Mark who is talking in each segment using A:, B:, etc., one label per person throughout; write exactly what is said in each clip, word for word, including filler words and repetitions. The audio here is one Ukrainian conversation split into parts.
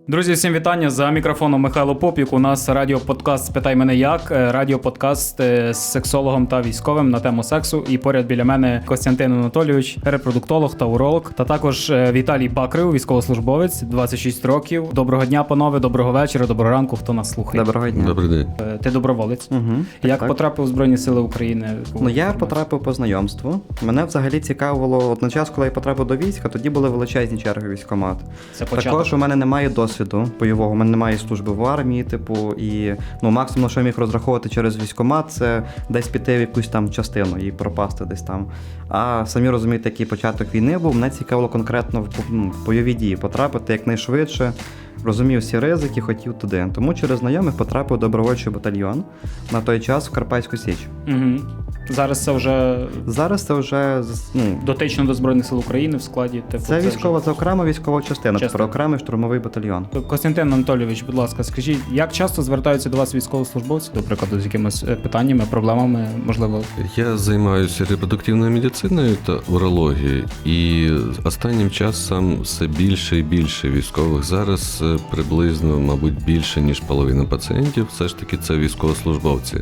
A: Друзі, всім вітання. За мікрофоном Михайло Попік. У нас радіоподкаст «Спитай мене як», радіоподкаст з сексологом та військовим на тему сексу. І поряд біля мене Костянтин Анатолійович, репродуктолог та уролог. Та також Віталій Бакрив, військовослужбовець, двадцять шість років. Доброго дня, панове, доброго вечора, доброго ранку, хто нас слухає.
B: Доброго дня.
C: Добрий день.
A: Ти доброволець.
B: Угу.
A: Як
B: так.
A: потрапив у Збройні Сили України?
B: Ну, я потрапив по знайомству. Мене взагалі цікавило, от на час, коли я потрапив до війська, тоді були величезні черги в військкомат.
A: Це початок.
B: Також у мене немає досвіду бойового, у мене немає служби в армії, типу, і ну, максимум, що я міг розраховувати через військкомат, це десь піти в якусь там частину і пропасти десь там. А самі розумієте, який початок війни був, мене цікавило конкретно в, ну, в бойові дії потрапити якнайшвидше. Розумів всі ризики, хотів туди. Тому через знайомих потрапив у добровольчий батальйон на той час в Карпатську Січ.
A: Угу. Зараз це вже...
B: Зараз це вже... Ну,
A: дотично до Збройних Сил України в складі... Типу,
B: це
A: це
B: військова,
A: вже...
B: це окрема військова частина,
A: Частина.
B: тепер окремий штурмовий батальйон.
A: Костянтин Анатолійович, будь ласка, скажіть, як часто звертаються до вас військовослужбовці, до прикладу, з якимись питаннями, проблемами, можливо?
C: Я займаюся репродуктивною медициною та урологією, і останнім часом все більше і більше військових. Зараз приблизно, мабуть, більше, ніж половина пацієнтів, все ж таки це військовослужбовці.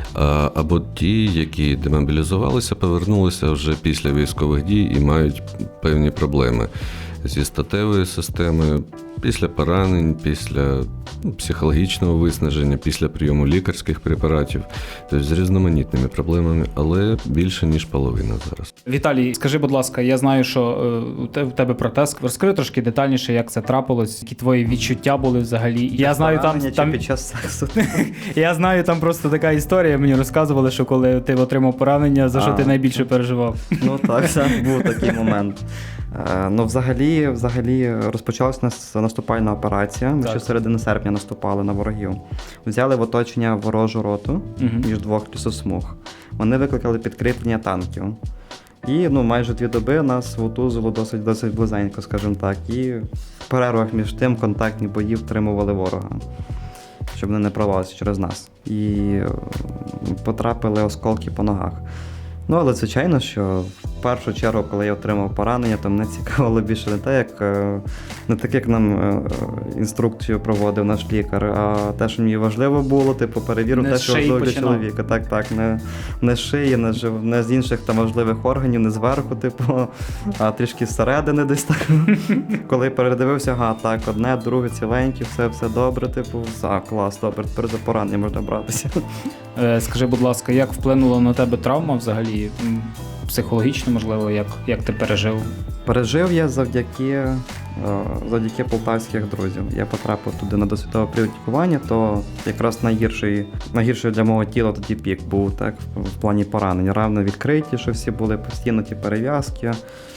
C: Або ті, які демобілізувалися, повернулися вже після військових дій і мають певні проблеми зі статевою системою, після поранень, після ну, психологічного виснаження, після прийому лікарських препаратів, тобто з різноманітними проблемами, але більше, ніж половина зараз.
A: Віталій, скажи, будь ласка, я знаю, що е, у тебе протез. Розкажи трошки детальніше, як це трапилось, які твої відчуття були взагалі. Я знаю, там, там...
B: під час сексу.
A: Я знаю, там просто така історія, мені розказували, що коли ти отримав поранення, за що
B: а,
A: ти найбільше переживав.
B: Ну так, так, був такий момент. Ну, взагалі, взагалі розпочалася наступальна операція. Ми ще середини серпня наступали на ворогів. Взяли в оточення ворожу роту uh-huh. між двох лісосмуг. Вони викликали підкріплення танків. І ну, майже дві доби нас вутузило досить, досить близенько, скажімо так. І в перервах між тим контактні бої втримували ворога, щоб вони не прорвалися через нас. І потрапили осколки по ногах. Ну, але звичайно, що в першу чергу, коли я отримав поранення, то мене цікавило більше не те, як не так, як нам інструкцію проводив наш лікар, а те, що мені важливо було, типу, перевірив те, що важливо для чоловіка. Так, так, не, не з шиї, не, не з інших там важливих органів, не зверху, типу, а трішки зсередини десь так. Коли передивився, ага, так, одне, друге, ціленьке, все, все добре, типу, а, клас, добре, тепер за поранення можна братися.
A: Скажи, будь ласка, як вплинула на тебе травма взагалі? Психологічно, можливо, як, як ти пережив?
B: Пережив я завдяки, завдяки полтавських друзів. Я потрапив туди на досвідове прилікування, то якраз найгірший, найгірший для мого тіла тоді пік був, так, в плані поранень. Равно відкриті, що всі були постійно ті перев'язки.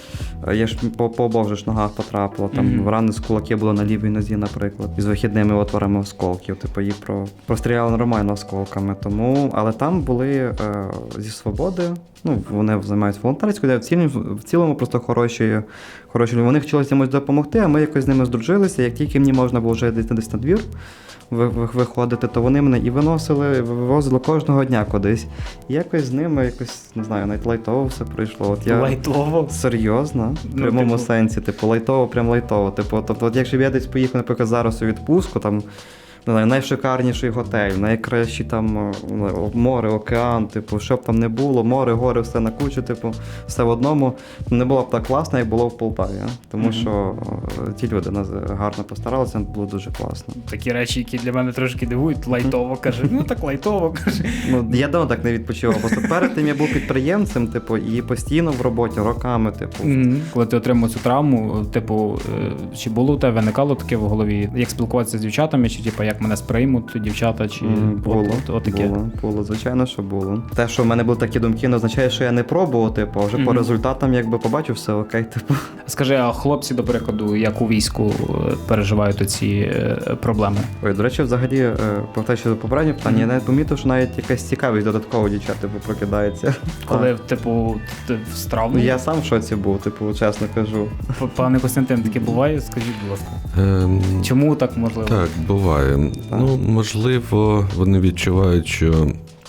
B: Я ж по, по обох же ж ногах потрапила, там mm-hmm. рани з кулаки були на лівій нозі, наприклад, із вихідними отворами осколків, типу їх про, простріляли нормально осколками, тому, але там були е, зі свободи, ну, вони займаються волонтерською, в цілому, в цілому просто хороші, хороші, вони хотіли комусь допомогти, а ми якось з ними здружилися, як тільки мені можна було вже десь, десь на двір виходити, то вони мене і виносили, вивозили кожного дня кудись. І якось з ними, якось, не знаю, навіть лайтово все пройшло. От я
A: лайтово?
B: Серйозно, в прямому ну, типу... сенсі, типу, лайтово, прям лайтово. Типу, тобто, от якщо б я десь поїхав, наприклад, зараз у відпустку, там, не знаю, найшикарніший готель, найкращий там море, океан, типу, що б там не було, море, гори, все на кучу, типу, все в одному. Не було б так класно, як було в Полтаві. Тому mm-hmm. що ті люди нас гарно постаралися, було дуже класно.
A: Такі речі, які для мене трошки дивують, лайтово, каже, ну так лайтово, каже.
B: Ну, я давно так не відпочивав, просто перед тим я був підприємцем, типу, і постійно в роботі, роками, типу.
A: Mm-hmm. Коли ти отримав цю травму, типу, чи було у тебе, виникало таке в голові, як спілкуватися з дівчатами, чи типу, як мене сприймуть дівчата, чи
B: mm, було,
A: от, от, от таке?
B: Було, було, звичайно, що було. Те, що в мене були такі думки, не означає, що я не пробував, типу, а вже mm-hmm. по результатам, якби побачив, все окей, типу.
A: Скажи, а хлопці, до прикладу, як у війську переживають оці проблеми?
B: Ой, до речі, взагалі, про те, що попереднє питання, mm-hmm. я навіть помітив, що навіть якась цікавість додатково дівчат, типу, прокидається.
A: Коли, типу, з травмою?
B: Я сам в шоці був, типу, чесно кажу.
A: Пане Костянтин, таке буває? Скажіть, будь ласка.
C: Ем...
A: Чому так можливо?
C: Так, буває. Так. Ну, можливо, вони відчувають, що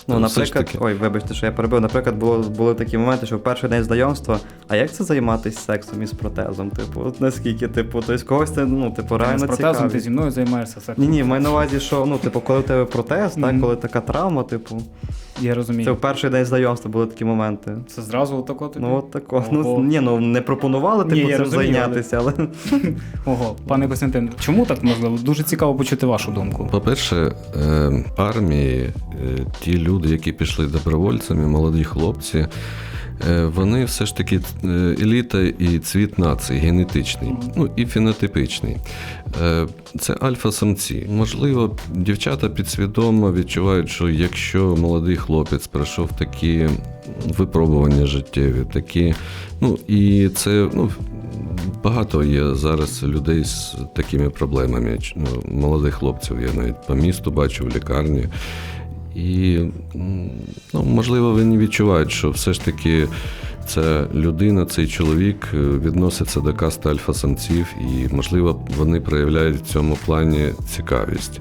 B: Ну,
C: все ж
B: наприклад,
C: таки-
B: ой, вибачте, що я перебив. Наприклад, було, були такі моменти, що в перший день знайомства, а як це займатися сексом із протезом? Типу, от наскільки, типу, тобто когось це, ну, типу,
A: Ти не з
B: реально
A: протезом,
B: цікавить.
A: ти зі мною займаєшся сексом.
B: Ні, ні, маю на увазі, що, ну, типу, коли в тебе протез, так,
A: Мгм.
B: коли така травма, типу,
A: Я розумію.
B: це
A: Це,
B: в перший день знайомства були такі моменти.
A: зразу отако тобі?
B: Ну, от тако.
A: Ого.
B: Ну, ні, ну, не пропонували,
A: Ні,
B: типу,
A: я
B: цим
A: розумію,
B: зайнятися, але...
A: Ого, пане Костянтин, чому так можливо? Дуже цікаво почути вашу думку.
C: По-перше, е, армії, е, ті люди, які пішли добровольцями, молоді хлопці, е, вони все ж таки е, еліта і цвіт нації, генетичний, ну і фенотипичний. Е, Це альфа-самці. Можливо, дівчата підсвідомо відчувають, що якщо молодий хлопець пройшов такі випробування життєві, такі, ну і це, ну, багато є зараз людей з такими проблемами. Ну, молодих хлопців я навіть по місту бачу в лікарні. І, ну, можливо, вони відчувають, що все ж таки ця людина, цей чоловік відноситься до касти альфа-самців, і, можливо, вони проявляють в цьому плані цікавість.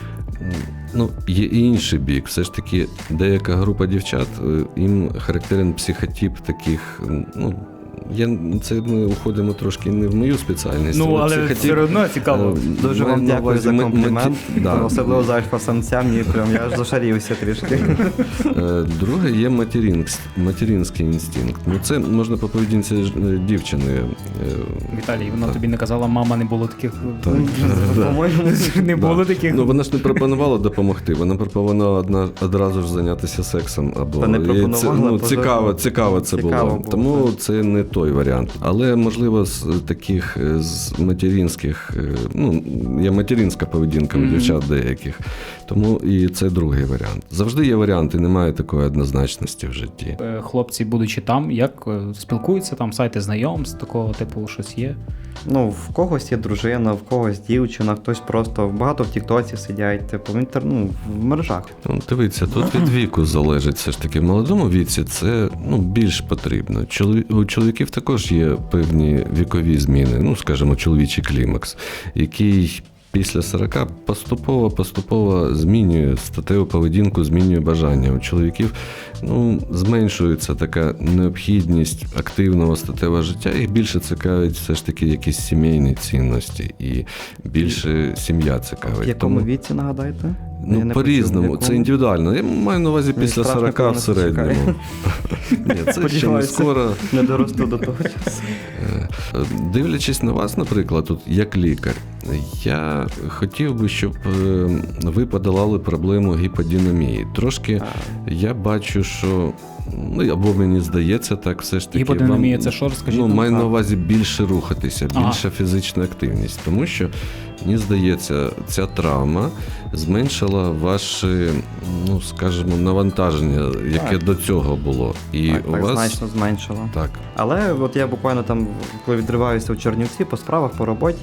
C: Ну, є і інший бік. Все ж таки, деяка група дівчат, їм характерен психотип таких, ну, я, це ми уходимо трошки не в мою спеціальність.
A: Ну, але
C: психотип,
A: все одно цікаво.
C: е,
B: Дуже
C: маю
B: вам
C: на
B: дякую
C: увазі
B: за
C: ме-
B: комплімент,
C: меті- да.
B: особливо за альфа-самця, мені прям, я аж зашарівся трішки.
C: Е, Друге є материнськ, материнський інстинкт. Ну, це можна по поведінці е, дівчини. е,
A: Віталій, вона
C: так.
A: тобі не казала, мама, не було таких.
C: Так.
B: По-моєму,
A: Не було
C: Да.
A: таких.
C: Ну, вона ж не пропонувала допомогти, вона пропонувала одна, одразу ж зайнятися сексом. Або
B: Та не
C: і
B: пропонувала,
C: це, ну,
B: поза-
C: цікаво, цікаво це
B: Цікаво
C: було.
B: було,
C: Тому
B: так.
C: це не той варіант. Але, можливо, з таких е, з материнських, е, ну, є материнська поведінка у
A: Мгм.
C: дівчат деяких. Тому і це другий варіант. Завжди є варіанти, немає такої однозначності в житті.
A: Е, Хлопці, будучи там, як е, спілкуються там, сайти знайомств, такого типу щось є.
B: Ну, в когось є дружина, в когось дівчина, хтось просто багато в Тіктоці сидять, типу, в інтер... ну, в мережах.
C: Ну, дивіться, тут від віку залежить все ж таки. В молодому віці це, ну, більш потрібно. Чолові... У чоловіків також є певні вікові зміни, ну, скажімо, чоловічий клімакс, який після сорока поступово-поступово змінює статеву поведінку, змінює бажання. У чоловіків, ну, зменшується така необхідність активного статевого життя, їх більше цікавить все ж таки якісь сімейні цінності і більше сім'я цікавить.
B: В якому
C: Тому-
B: віці, нагадайте? Я
C: Ну,
B: не
C: по-різному,
B: почув, в
C: це
B: якому.
C: індивідуально. Я маю на увазі
B: Мені
C: після
B: страшно,
C: сорока
B: коли
C: в
B: нас
C: середньому. Ні, це ще не
B: Сподіваюся.
C: скоро.
B: Не доросту до того часу.
C: Е, Дивлячись на вас, наприклад, тут як лікар, я хотів би, щоб е, ви подолали проблему гіподинамії. Трошки я бачу, що, ну, або мені здається, так все ж таки.
A: Гіподинамія
C: вам,
A: це що, розкажіть
C: Ну,
A: нам?
C: маю на
A: А.
C: увазі більше рухатися,
A: Ага.
C: більша фізична активність. Тому що, мені здається, ця травма зменшила ваше, ну, скажімо, навантаження, яке
B: Так.
C: до цього було. І
B: Так,
C: у
B: так
C: вас
B: значно зменшило.
C: так.
B: Але от я буквально там, коли відриваюся у Чернівці по справах, по роботі,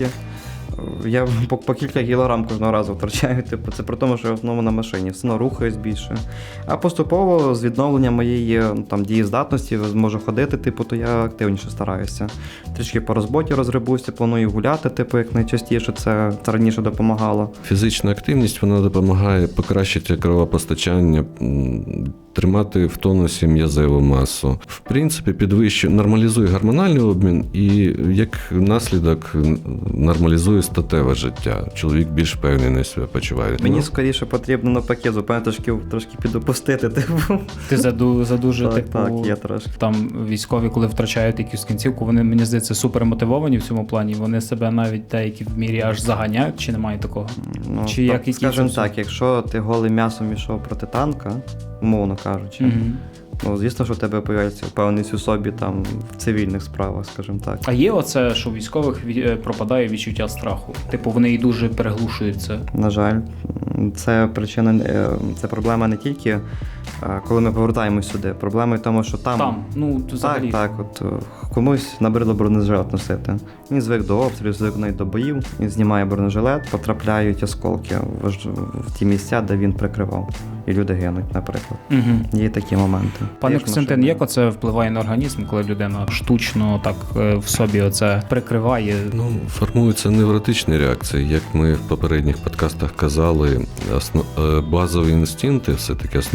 B: я по, по кілька кілограм кожного разу втрачаю. Типу, це при тому, що я в основному на машині, все одно рухаюсь більше. А поступово з відновленням моєї ну, там, дієздатності зможу ходити, типу, то я активніше стараюся. Трішки по роботі розгребуся, планую гуляти, типу, як найчастіше, це, це раніше допомагало.
C: Фізична активність вона допомагає покращити кровопостачання, м, тримати в тонусі м'язеву масу. В принципі, підвищує, нормалізує гормональний обмін і як наслідок нормалізує статеве життя. Чоловік більш впевнений себе почуває.
B: Мені
C: Ну,
B: скоріше потрібно навпаки, зупинити трошки, трошки підопустити, типу.
A: Ти заду, задуже,
B: Так,
A: типу,
B: так, є трошки.
A: там військові, коли втрачають якусь кінцівку, вони, мені здається, супер мотивовані в цьому плані. Вони себе навіть деякі в мірі аж заганяють, чи немає такого?
B: Ну,
A: Чи як які
B: скажімо
A: це
B: так, якщо ти голим м'ясом ішов проти танка, умовно кажучи,
A: Мгм.
B: ну звісно, що в тебе появляється впевненість у собі там в цивільних справах, скажімо так.
A: А є оце, що у військових ві- е, пропадає відчуття страху? Типу, вони і дуже переглушують це.
B: На жаль, це причина, е, це проблема не тільки е, коли ми повертаємось сюди. Проблема в тому, що там.
A: Там, ну, то взагалі.
B: Так, так, от е, комусь набридло бронежилет носити. Він звик до обстрілів, звик навіть до боїв, він знімає бронежилет, потрапляють осколки в, ж- в ті місця, де він прикривав. І люди гинуть, наприклад.
A: Угу.
B: Є такі моменти.
A: Пане
B: Є ж
A: Костянтин,
B: машини.
A: як оце впливає на організм, коли людина штучно так е, в собі оце прикриває?
C: Ну, формуються невротичні реакції. Як ми в попередніх подкастах казали, осно... е, базові інстинкти, все-таки основа виживання,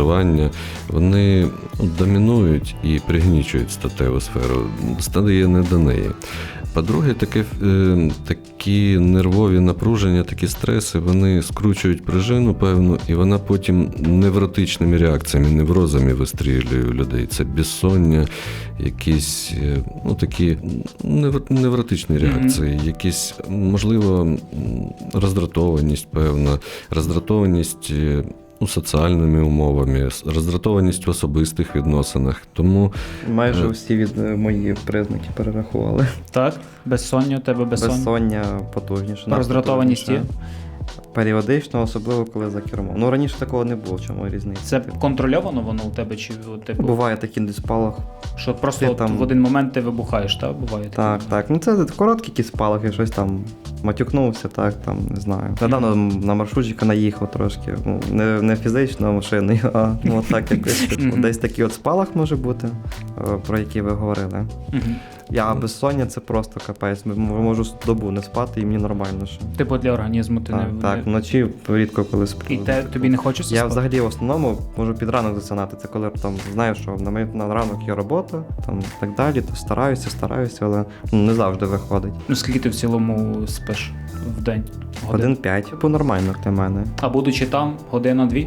C: споживання, вони домінують і пригнічують статеву сферу, стає не до неї. По-друге, таке, е, такі нервові напруження, такі стреси, вони скручують пружину певну, і вона потім невротичними реакціями, неврозами вистрілює у людей. Це безсоння, якісь е, ну, такі невр- невротичні реакції, mm-hmm. якісь, можливо, роздратованість певна, роздратованість е, ну, соціальними умовами, роздратованість в особистих відносинах. Тому
B: майже всі від мої признаки перерахували.
A: Так, безсоння, у тебе безсоння.
B: Безсоння потужніше.
A: Роздратованість є?
B: Періодично, особливо коли за кермом. Ну, раніше такого не було, чому різниця.
A: Це контрольовано воно у тебе? Чи, типу,
B: буває такий спалах.
A: Що просто от
B: там...
A: в один момент ти вибухаєш, так? Буває таке?
B: Так, так. Ну це короткі якісь спалахи, щось там матюкнувся, так, там, не знаю. Недавно на маршрутчика наїхав трошки. Ну, не, не фізично машиною, а ну, так якось. Десь такий от спалах може бути, про який ви говорили. Я безсоння це просто капець. Можу добу не спати і мені нормально ще.
A: Типу для організму ти
B: так,
A: не...
B: Так, вночі рідко коли сплю.
A: І те, тобі не хочеться
B: Я
A: спати?
B: взагалі в основному можу під ранок засинати. Це коли там знаю, що на, мій, на ранок є робота, там так далі, то стараюся, стараюся, але ну, не завжди виходить.
A: Ну скільки ти в цілому спиш в день?
B: Годин п'ять, типу нормально для мене.
A: А будучи там, година-дві?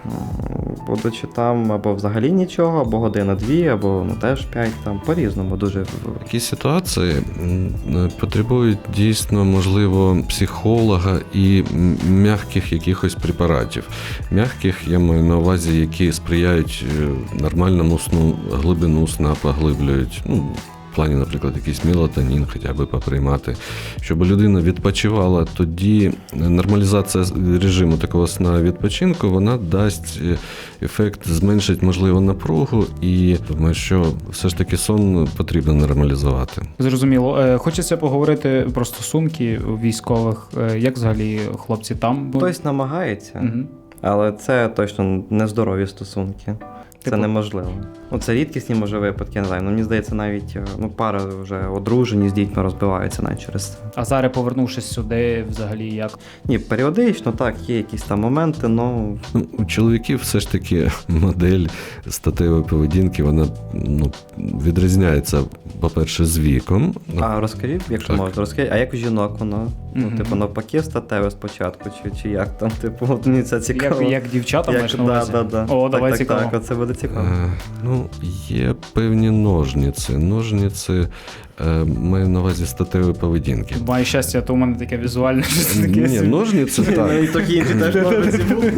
B: Будучи там або взагалі нічого, або година-дві, або ну, теж п'ять, там по-різному дуже.
C: Такі ситуації потребують дійсно, можливо, психолога і м'яких якихось препаратів. М'яких, я маю на увазі, які сприяють нормальному сну, глибину сна поглиблюють. Ну, в плані, наприклад, якийсь мелатонін хоча б поприймати, щоб людина відпочивала, тоді нормалізація режиму такого сна відпочинку, вона дасть ефект, зменшить, можливо, напругу, і думаю, що все ж таки сон потрібно нормалізувати.
A: Зрозуміло. Хочеться поговорити про стосунки військових. Як взагалі хлопці там?
B: Хтось намагається,
A: угу.
B: але це точно нездорові стосунки. Це типу... неможливо. Ну, це рідкісні, може, випадки, не знаю. Ну, мені здається, навіть ну, пари вже одружені з дітьми розбиваються навіть через це.
A: А зараз, повернувшись сюди, взагалі як?
B: Ні, періодично, так, є якісь там моменти, но...
C: ну... У чоловіків все ж таки модель статевої поведінки, вона ну, відрізняється, по-перше, з віком.
B: А розкажіть, якщо так. можна, розкажіть, а як у жінок воно? Mm-hmm. Ну, типу, навпаки, статеве спочатку, чи, чи як там, типу, от мені це цікаво.
A: Як, як дівчата
B: як,
A: маєш на увазі?
B: Да, да, да.
A: О, давай
B: так,
A: цікаво.
B: Так, так, це буде цікаво.
C: Е, ну, є певні ножниці. Ножниці е, маю на увазі статевої поведінки.
A: Має щастя, то у мене таке візуальне щось таке.
C: Ні, ножниці, так.
B: І такі інші теж ножниці були.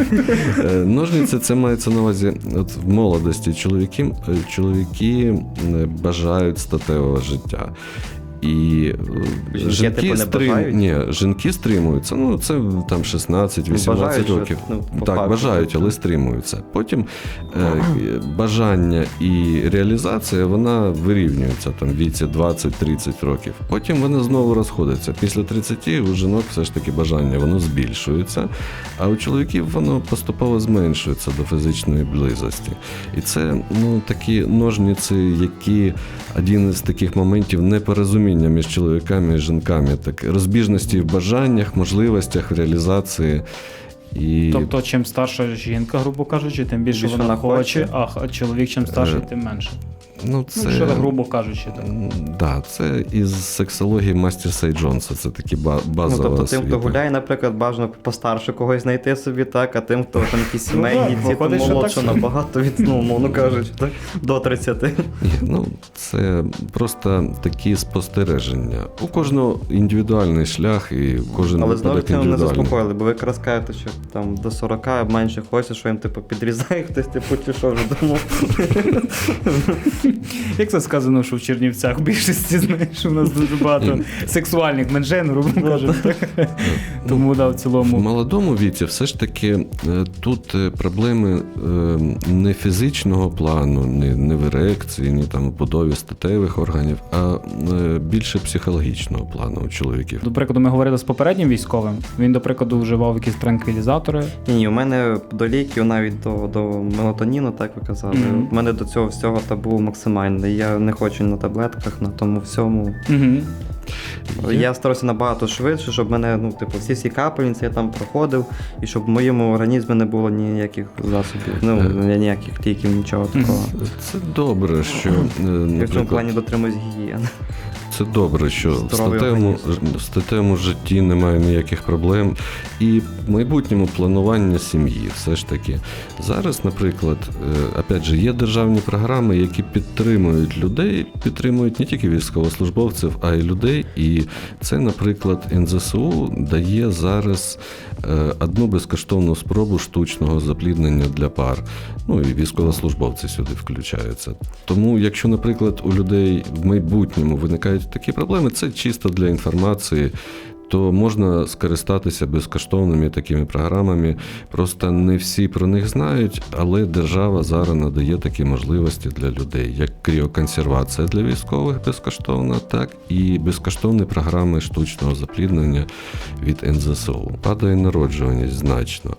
C: Ножниці, це мається на увазі, от в молодості чоловіки, чоловіки бажають статевого життя. І
B: жінки,
C: жінки,
B: типу,
C: стрим... Ні, жінки стримуються. Ну, це там шістнадцять-вісімнадцять років.
B: Ну,
C: так,
B: факту.
C: бажають, але стримуються. Потім е, бажання і реалізація, вона вирівнюється там в віці двадцять-тридцять років. Потім вони знову розходяться. Після тридцяти у жінок все ж таки бажання, воно збільшується, а у чоловіків воно поступово зменшується до фізичної близості. І це, ну, такі ножниці, які один із таких моментів непорозуміння між чоловіками і жінками, так розбіжності в бажаннях, можливостях, в реалізації. І...
A: Тобто, чим старша жінка, грубо кажучи, тим більше, більше вона хоче, а чоловік чим старший, тим менше.
C: Ну, це...
A: ну, що грубо кажучи. Так,
C: да, це із сексології Мастерса і Джонса, це такі базова
B: ну, тобто
C: освіта.
B: тим, хто гуляє, наприклад, бажано постарше когось знайти собі, так, а тим, хто там якісь сімейні, ці, то молодше набагато від, ну, мовно кажучи, так, до тридцяти.
C: Ні, ну, це просто такі спостереження. У кожного індивідуальний шлях, і кожен
B: але знову
C: випадок
B: не
C: індивідуальний.
B: заспокоїли, бо ви якраз кажете, що там до сорока менше хочеться, що їм, типу, підрізає хтось, типу, чи що вже думав.
A: Як це сказано, що в Чернівцях в більшості, знаєш, у нас дуже багато сексуальних меншин, грубо кажемо. Тому, да, в цілому.
C: В молодому віці все ж таки тут проблеми не фізичного плану, не в ерекції, ні там в будові статевих органів, а більше психологічного плану у чоловіків.
A: До прикладу, ми говорили з попереднім військовим. Він, до прикладу, вживав якісь транквілізатори.
B: Ні, у мене до ліків, навіть до, до мелатоніну, так ви казали. Mm-hmm. У мене до цього всього табу максимальний. Я не хочу на таблетках, на тому всьому.
A: Угу.
B: Я старався набагато швидше, щоб мене, ну, типу, всі всі капельниці я там проходив, і щоб в моєму організмі не було ніяких засобів, ну, ніяких ліків, нічого такого.
C: Це добре, що,
B: Я в цьому
C: наприклад,
B: плані дотримуюсь гігієни.
C: це добре, що в
B: Здоровий
C: статевому,
B: організм.
C: в статевому житті немає ніяких проблем. І в майбутньому планування сім'ї все ж таки. Зараз, наприклад, е, опять же, є державні програми, які підтримують людей, підтримують не тільки військовослужбовців, а й людей. І це, наприклад, ен зет ес у дає зараз е, одну безкоштовну спробу штучного запліднення для пар. Ну і військовослужбовці сюди включаються. Тому, якщо, наприклад, у людей в майбутньому виникають такі проблеми, це чисто для інформації, то можна скористатися безкоштовними такими програмами. Просто не всі про них знають, але держава зараз надає такі можливості для людей, як кріоконсервація для військових безкоштовна, так і безкоштовні програми штучного запліднення від ен зет ес у. Падає народжуваність значно.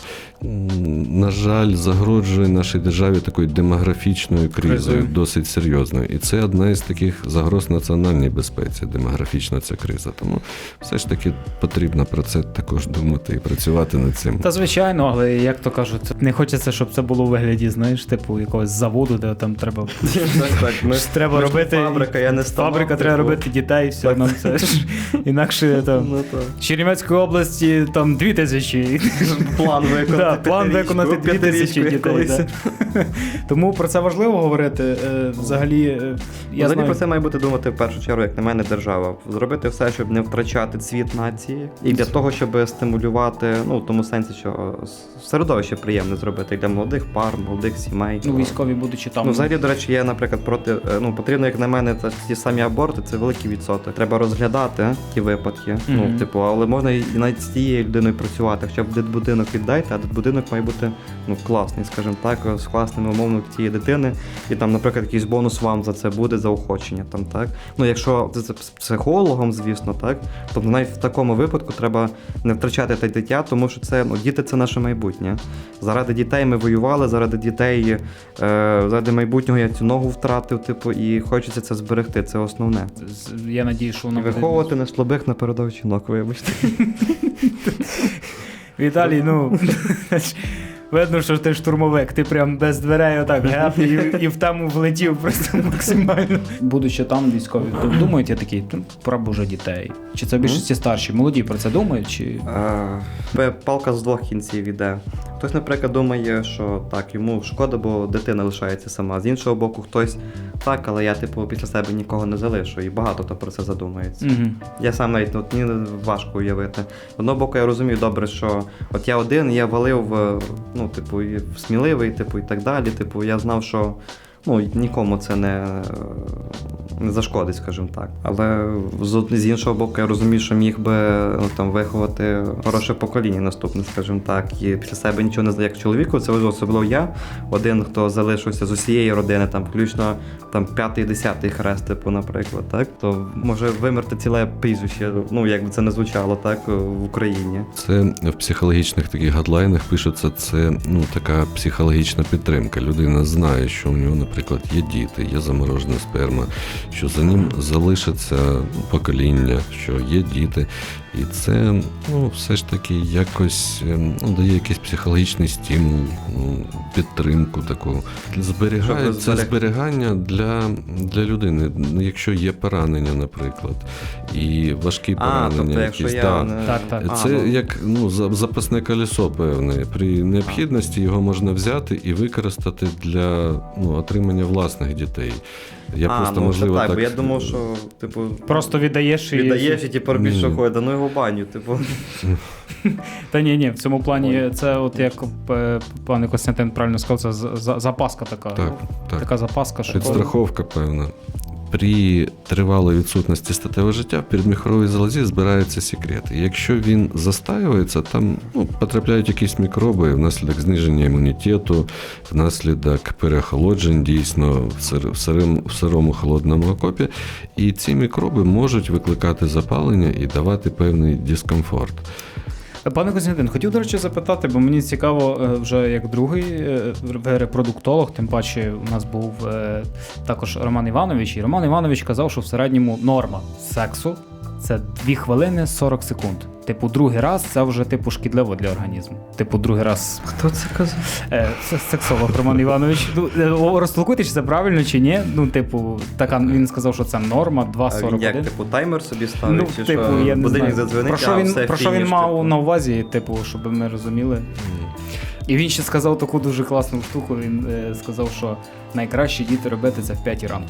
C: На жаль, загрожує нашій державі такою демографічною кризою,
A: Кризою.
C: досить серйозною. І це одна із таких загроз національній безпеці, демографічна ця криза. Тому все ж таки потрібно про це також думати і працювати над цим.
A: Та звичайно, але як то кажуть, не хочеться, щоб це було у вигляді, знаєш, типу якогось заводу, де там треба,
B: Так, так, ми,
A: треба
B: ми ж
A: робити.
B: фабрика, я не станок,
A: Фабрика, треба
B: типу.
A: робити дітей, все,
B: Так.
A: нам це ж інакше там.
B: Ну, так.
A: В Чернівецькій області там дві тисячі.
B: План виконати.
A: Да, план виконати дві тисячі дітей. Да. Тому про це важливо говорити. Е, Взагалі, е, я
B: Взагалі
A: знаю,
B: про це має бути думати в першу чергу, як на мене, держава. Зробити все, щоб не втрачати цвіт нації. І для того, щоб стимулювати, ну, в тому сенсі, що середовище приємне зробити для молодих пар, молодих сімей.
A: ну, військові будучи там.
B: Ну, взагалі, до речі, я, наприклад, проти, е, ну, потрібно, як на мене, та ті самі аборти, це великий відсоток. Треба розглядати ті випадки.
A: Мгм.
B: Ну, типу, але можна і навіть з тією людиною працювати. Хоча б дитбудинок віддайте, а дитбудинок має бути, ну, класний, скажімо так, з класними умовами тієї дитини. І там, наприклад, якийсь бонус вам за це буде, за охочення, там, так. Ну, якщо це з психологом, звісно, так, тобто навіть в такому випадку треба не втрачати те дитя, тому що це, ну, діти – це наше майбутнє. Заради дітей ми воювали, заради дітей, е, заради майбутнього я цю ногу втратив, типу, і хочеться це зберегти, це основне.
A: З- Я надію, що
B: І
A: воно буде.
B: виховувати не слабих на передових жінок, вибачте.
A: Віталій, ну видно, що ти штурмовик, ти прям без дверей отак геп і, і в тему влетів просто максимально. Будучи там військові, то думають, я такий, ну, пора б уже дітей. Чи це більшості старші? Молоді про це думають? Чи...
B: Е, Палка з двох кінців іде. Хтось, наприклад, думає, що так, йому шкода, бо дитина лишається сама. З іншого боку, хтось так, але я, типу, після себе нікого не залишу. І багато хто про це задумається.
A: Угу.
B: Я сам навіть, от, мені важко уявити. З одного боку, я розумію добре, що от я один, я валив, е, ну, типу, і сміливий, типу, і так далі. Типу, я знав, що, ну, нікому це не, не зашкодить, скажімо так. Але з, з іншого боку, я розумію, що міг би, ну, там, виховати хороше покоління наступне, скажімо так. І після себе нічого не знаю, як чоловіку, це особливо я, один, хто залишився з усієї родини, там, включно там, п'ятий, десятий хрест, типу, наприклад, так, то може вимерти ціле прізвище, ну, як би це не звучало, так, в Україні.
C: Це в психологічних таких гадлайнах пишеться, це, ну, така психологічна підтримка. Людина знає, що у нього, наприклад, є діти, є заморожена сперма, що за ним залишиться покоління, що є діти. І це, ну, все ж таки якось, ну, дає якийсь психологічний стимул, ну, підтримку таку. Зберігає,
B: Щоб
C: це
B: зберег-
C: зберігання для, для людини, ну, якщо є поранення, наприклад, і важкі
B: А,
C: поранення
B: тобто, якщо
C: якісь.
B: я
C: да.
B: не...
A: Так, так.
B: А,
C: Це
B: ну,
C: як, ну, за- запасне колесо певне. При необхідності його можна взяти і використати для, ну, отримання власних дітей. Я
B: а,
C: просто,
B: ну,
C: можливо,
B: це так,
C: так...
B: бо я думав, що, типу,
A: Просто віддаєш і...
B: віддаєш і типу робиш,
C: Ні.
B: що ходить, ну його в баню, типу.
A: Та ні, ні, в цьому плані це от як е, пане Костянтин правильно сказав, це за- за- запаска така.
C: Так,
A: Ну,
C: так.
A: Така запаска, що...
C: Підстраховка, певна. При тривалій відсутності статевого життя в передміхоровій залозі збирається секрет. І якщо він застаюється, там, ну, потрапляють якісь мікроби внаслідок зниження імунітету, внаслідок переохолоджень дійсно в, сир, в, сирим, в сирому холодному окопі. І ці мікроби можуть викликати запалення і давати певний дискомфорт.
A: Пане Костянтин, хотів, до речі, запитати, бо мені цікаво е, вже як другий е, ви репродуктолог, тим паче у нас був е, також Роман Іванович, і Роман Іванович казав, що в середньому норма сексу це дві хвилини сорок секунд. Типу, другий раз це вже типу шкідливо для організму. Типу, другий раз.
B: Хто це казав?
A: Е, це сексолог Роман Іванович. Ну, е, розтолкуйте, чи це правильно, чи ні. Ну, типу, така він сказав, що це норма два
B: А
A: сорок
B: він як,
A: один.
B: типу, таймер собі ставить,
A: Ну,
B: чи
A: типу,
B: що
A: я не
B: будильник
A: знаю.
B: задзвонить,
A: Про що
B: а
A: він,
B: все,
A: про що він
B: фініш,
A: мав
B: типу.
A: на увазі, типу, щоб ми розуміли. І він ще сказав таку дуже класну штуку. Він е, сказав, що найкраще діти робити це в п'ятій ранку.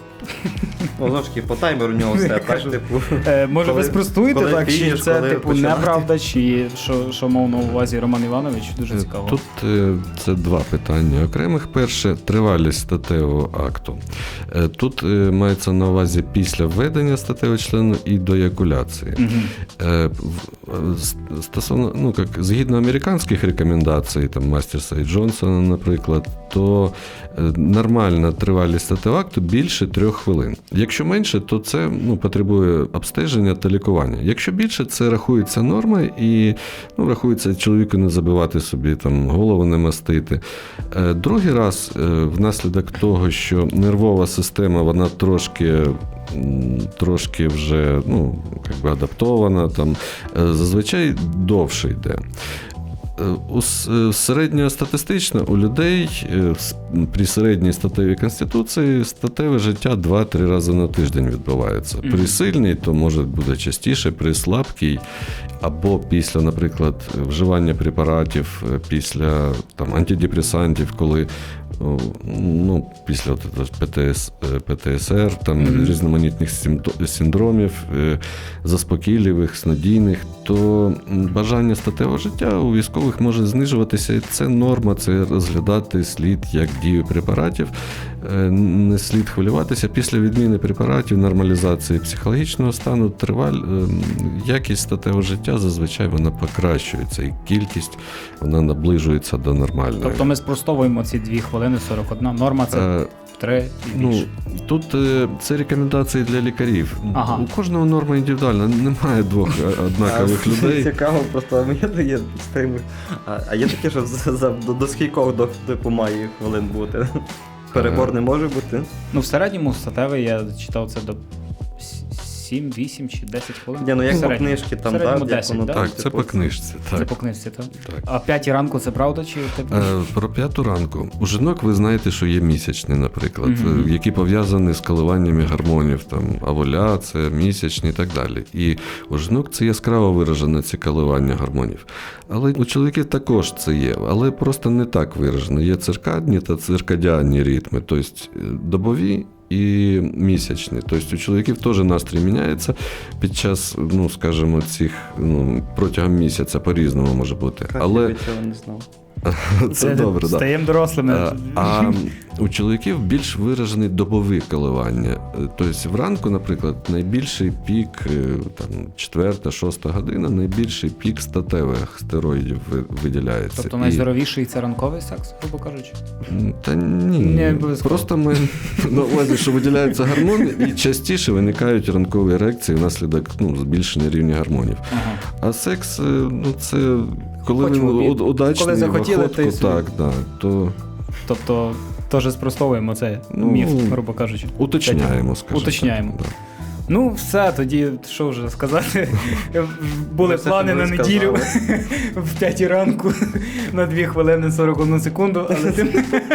B: Ну, знову ж таки, по таймеру у нього все, так,
A: Кажу,
B: типу.
A: Е, може,
B: коли-
A: ви спростуєте
B: коли
A: так, чи
B: фініш,
A: це
B: коли
A: типу
B: починати?
A: неправда, чи що, що мав на увазі Роман Іванович? Дуже цікаво.
C: Тут е, це два питання окремих. Перше, тривалість статевого акту. Е, Тут е, мається на увазі після введення статевого члену і до еякуляції.
A: Мгм.
C: Е, в- с- Стосовно, ну, як, згідно американських рекомендацій, там, Мастерса і Джонсона, наприклад, то е, нормальна тривалість статевого акту більше трьох хвилин. Якщо менше, то це ну, потребує обстеження та лікування. Якщо більше, це рахується норма і ну, рахується чоловіку не забивати собі, там, голову не мастити. Е, Другий раз, е, внаслідок того, що нервова система, вона трошки м, трошки вже ну, як би адаптована, там, е, зазвичай довше йде. Е, У с- е, середньостатистично у людей е, с- при середній статевій конституції статеве життя два-три рази на тиждень відбувається. При сильній, то може буде частіше, при слабкій або після, наприклад, вживання препаратів, е, після там, антидепресантів, коли о, ну, після от этого ПТС, е, ПТСР, там,
A: Мгм.
C: різноманітних симпто- синдромів, е, заспокійливих, снодійних, то м, бажання статевого життя у військових може знижуватися. І це норма, це розглядати слід як дію препаратів. Е, Не слід хвилюватися. Після відміни препаратів, нормалізації психологічного стану, триваль, е, якість статевого життя зазвичай вона покращується, і кількість вона наближується до нормальної.
A: Тобто ми спростовуємо ці дві хвилини сорок одна. Норма це
C: Е,
A: три і
C: Ну,
A: більше.
C: тут е, це рекомендації для лікарів.
A: Ага.
C: У кожного норма індивідуальна, немає двох е, однакових
B: А,
C: людей.
B: Цікаво, просто а є, є з тими. А, а є таке, що за, за, до, до скількох до, типу, має хвилин бути? Перебор не може бути?
A: Ну, в середньому статевий я читав це до сім, вісім чи десять хвилин.
B: Ні, ну як
A: В
B: по
A: середньому.
B: книжці
A: В
B: там,
A: середньому
B: так?
A: десять, да?
C: Так, це по книжці.
A: Це
C: Так.
A: по книжці, так?
C: Так.
A: А п'ятій ранку це правда чи типу?
C: Е, Про п'яту ранку. У жінок ви знаєте, що є місячні, наприклад,
A: Мгм.
C: е, які пов'язані з коливаннями гормонів, там, овуляція, місячні і так далі. І у жінок це яскраво виражено, ці коливання гормонів. Але у чоловіків також це є, але просто не так виражено. Є циркадні та циркадіанні ритми, тобто е, добові і місячні. Тобто у чоловіків теж настрій міняється під час, ну, скажімо, цих, ну, протягом місяця по-різному може бути.
B: Так,
C: Але
B: я від цього не знав.
C: це добре, так.
A: Стаємо дорослими.
C: Е, А у чоловіків більш виражений добові коливання. Е, Тобто вранку, наприклад, найбільший пік, е, там, четверта, шоста година, найбільший пік статевих стероїдів ви- виділяється.
A: Тобто
C: І-
A: найздоровіший це ранковий секс, грубо кажучи?
C: М, Та ні,
A: Не обов'язково.
C: просто ми на увазі, що виділяються гормони, і частіше виникають ранкові ерекції внаслідок ну, збільшення рівня гормонів.
A: Ага.
C: А секс, е, ну це коли
A: Хоч
C: він
A: в обід.
C: уд- удачний,
A: Коли захотіли,
C: в
A: то й
C: охотку,
A: собі.
C: так, да, то
A: Тобто теж спростовуємо цей
C: Ну,
A: міф, грубо кажучи.
C: уточняємо, скажімо.
A: Уточняємо.
C: Так, да.
A: Ну, все, тоді, що вже сказати, були
B: Ви все
A: плани на
B: собі
A: неділю
B: сказали.
A: в п'ятій ранку на дві хвилини сорок одну секунду, але тим...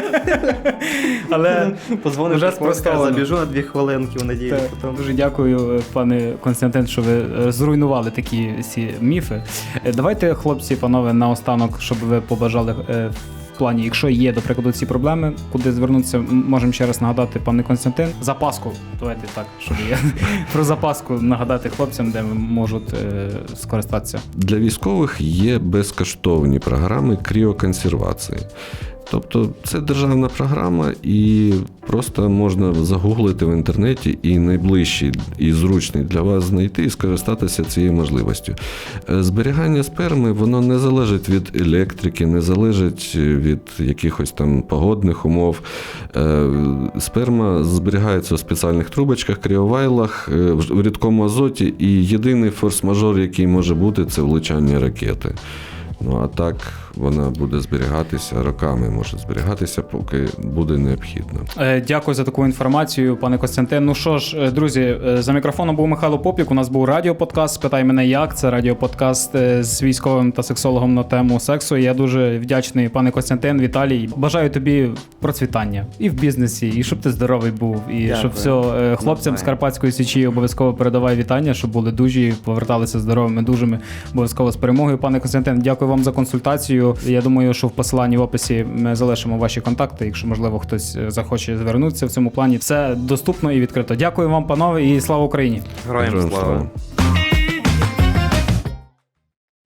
A: але
B: Позвонив,
A: вже
B: вже
A: спростовано.
B: забіжу на дві хвилинки в неділю.
A: так,
B: потім.
A: дуже дякую, пане Константин, що ви е, зруйнували такі всі міфи. Е, Давайте, хлопці, панове, наостанок, щоб ви побажали е, в плані, якщо є, до прикладу, ці проблеми, куди звернутися, м- можемо ще раз нагадати, пане Константин, запаску, давайте так, щоб я про запаску нагадати хлопцям, де можуть е, скористатися.
C: Для військових є безкоштовні програми кріоконсервації. Тобто це державна програма, і просто можна загуглити в інтернеті і найближчий і зручний для вас знайти і скористатися цією можливістю. Е, Зберігання сперми, воно не залежить від електрики, не залежить від якихось там погодних умов. Е, Сперма зберігається у спеціальних трубочках, кріовайлах, е, в рідкому азоті, і єдиний форс-мажор, який може бути, це влучання ракети. Ну а так вона буде зберігатися роками, може зберігатися, поки буде необхідно.
A: Е, Дякую за таку інформацію, пане Костянтин. Ну що ж, е, друзі, е, за мікрофоном був Михайло Попік. У нас був радіоподкаст «Спитай мене як». Це радіоподкаст е, з військовим та сексологом на тему сексу. Я дуже вдячний, пане Костянтин, Віталій. Бажаю тобі процвітання і в бізнесі, і щоб ти здоровий був, і
B: Дякую.
A: щоб все е, хлопцям з Карпатської Січі обов'язково передавай вітання, щоб були дужі, поверталися здоровими, дужими, обов'язково з перемогою. Пане Костянтин, дякую вам за консультацію. Я думаю, що в посиланні в описі ми залишимо ваші контакти, якщо, можливо, хтось захоче звернутися в цьому плані. Все доступно і відкрито. Дякую вам, панове, і слава Україні!
B: Героям
C: Героям
B: слава!
C: слава.